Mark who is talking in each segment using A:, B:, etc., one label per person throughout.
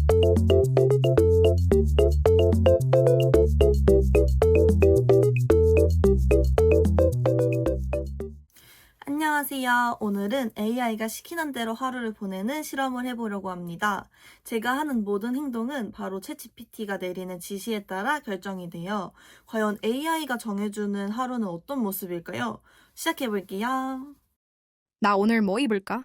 A: 안녕하세요. 오늘은 AI가 시키는 대로 하루를 보내는 실험을 해보려고 합니다. 제가 하는 모든 행동은 바로 챗GPT가 내리는 지시에 따라 결정이 돼요. 과연 AI가 정해주는 하루는 어떤 모습일까요? 시작해볼게요.
B: 나 오늘 뭐 입을까?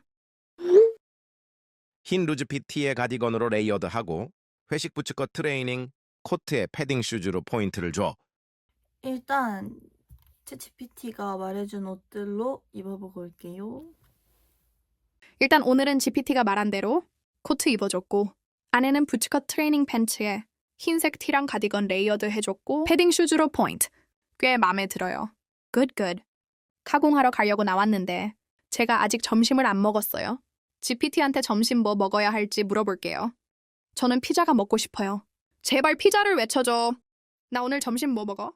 C: 흰 루즈 PT의 가디건으로 레이어드하고 회식 부츠컷 트레이닝 코트에 패딩 슈즈로 포인트를 줘.
A: 일단 챗GPT가 말해준 옷들로 입어보고 올게요.
B: 일단 오늘은 GPT가 말한 대로 코트 입어줬고 안에는 부츠컷 트레이닝 팬츠에 흰색 티랑 가디건 레이어드 해줬고 패딩 슈즈로 포인트. 꽤 마음에 들어요. good. 카공하러 가려고 나왔는데 제가 아직 점심을 안 먹었어요. GPT한테 점심 뭐 먹어야 할지 물어볼게요. 저는 피자가 먹고 싶어요. 제발 피자를 외쳐줘. 나 오늘 점심 뭐 먹어?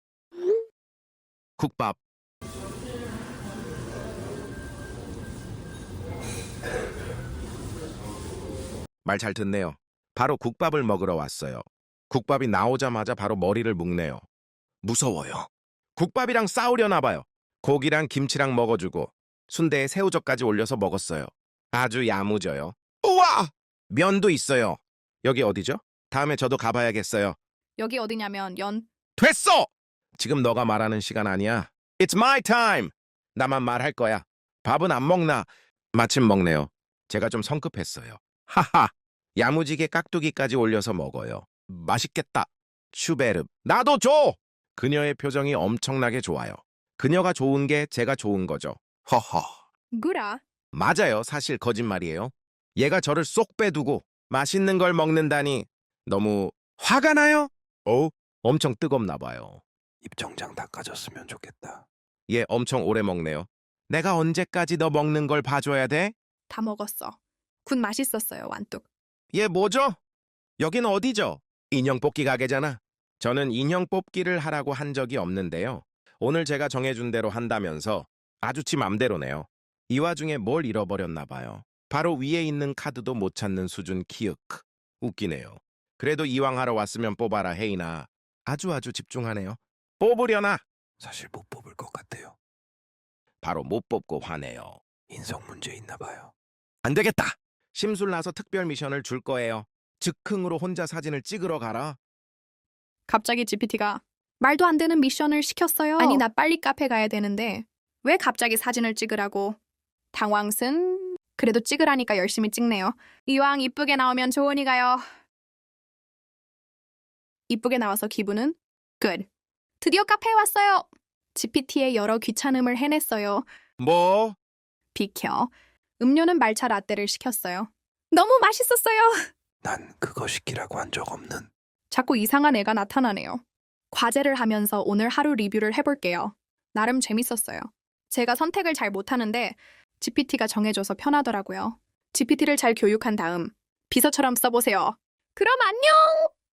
C: 국밥. 말 잘 듣네요. 바로 국밥을 먹으러 왔어요. 국밥이 나오자마자 바로 머리를 묶네요. 무서워요. 국밥이랑 싸우려나 봐요. 고기랑 김치랑 먹어주고 순대에 새우젓까지 올려서 먹었어요. 아주 야무져요. 우와! 면도 있어요. 여기 어디죠? 다음에 저도 가봐야겠어요.
B: 여기 어디냐면
C: 됐어! 지금 너가 말하는 시간 아니야. It's my time! 나만 말할 거야. 밥은 안 먹나? 마침 먹네요. 제가 좀 성급했어요. 하하! 야무지게 깍두기까지 올려서 먹어요. 맛있겠다. 슈베르. 나도 줘! 그녀의 표정이 엄청나게 좋아요. 그녀가 좋은 게 제가 좋은 거죠. 허허.
B: 구라.
C: 맞아요. 사실 거짓말이에요. 얘가 저를 쏙 빼두고 맛있는 걸 먹는다니 너무 화가 나요? 엄청 뜨겁나 봐요.
D: 입정장 닦아줬으면 좋겠다.
C: 얘 엄청 오래 먹네요. 내가 언제까지 너 먹는 걸 봐줘야 돼?
B: 다 먹었어. 군 맛있었어요, 완뚝.
C: 얘 뭐죠? 여긴 어디죠? 인형 뽑기 가게잖아. 저는 인형 뽑기를 하라고 한 적이 없는데요. 오늘 제가 정해준 대로 한다면서 아주 지 맘대로네요. 이 와중에 뭘 잃어버렸나 봐요. 바로 위에 있는 카드도 못 찾는 수준 키읔. 웃기네요. 그래도 이왕 하러 왔으면 뽑아라 헤이나. 아주 집중하네요. 뽑으려나?
D: 사실 못 뽑을 것 같아요.
C: 바로 못 뽑고 화내요.
D: 인성 문제 있나 봐요.
C: 안 되겠다. 심술나서 특별 미션을 줄 거예요. 즉흥으로 혼자 사진을 찍으러 가라.
B: 갑자기 GPT가 말도 안 되는 미션을 시켰어요. 아니, 나 빨리 카페 가야 되는데 왜 갑자기 사진을 찍으라고. 당황슨. 그래도 찍으라니까 열심히 찍네요. 이왕 이쁘게 나오면 좋으니까요. 이쁘게 나와서 기분은 good. 드디어 카페에 왔어요. GPT의 여러 귀찮음을 해냈어요.
C: 뭐?
B: 비켜. 음료는 말차 라떼를 시켰어요. 너무 맛있었어요.
D: 난 그거 시키라고 한 적 없는.
B: 자꾸 이상한 애가 나타나네요. 과제를 하면서 오늘 하루 리뷰를 해볼게요. 나름 재밌었어요. 제가 선택을 잘 못하는데 GPT가 정해줘서 편하더라고요. GPT를 잘 교육한 다음 비서처럼 써보세요. 그럼 안녕!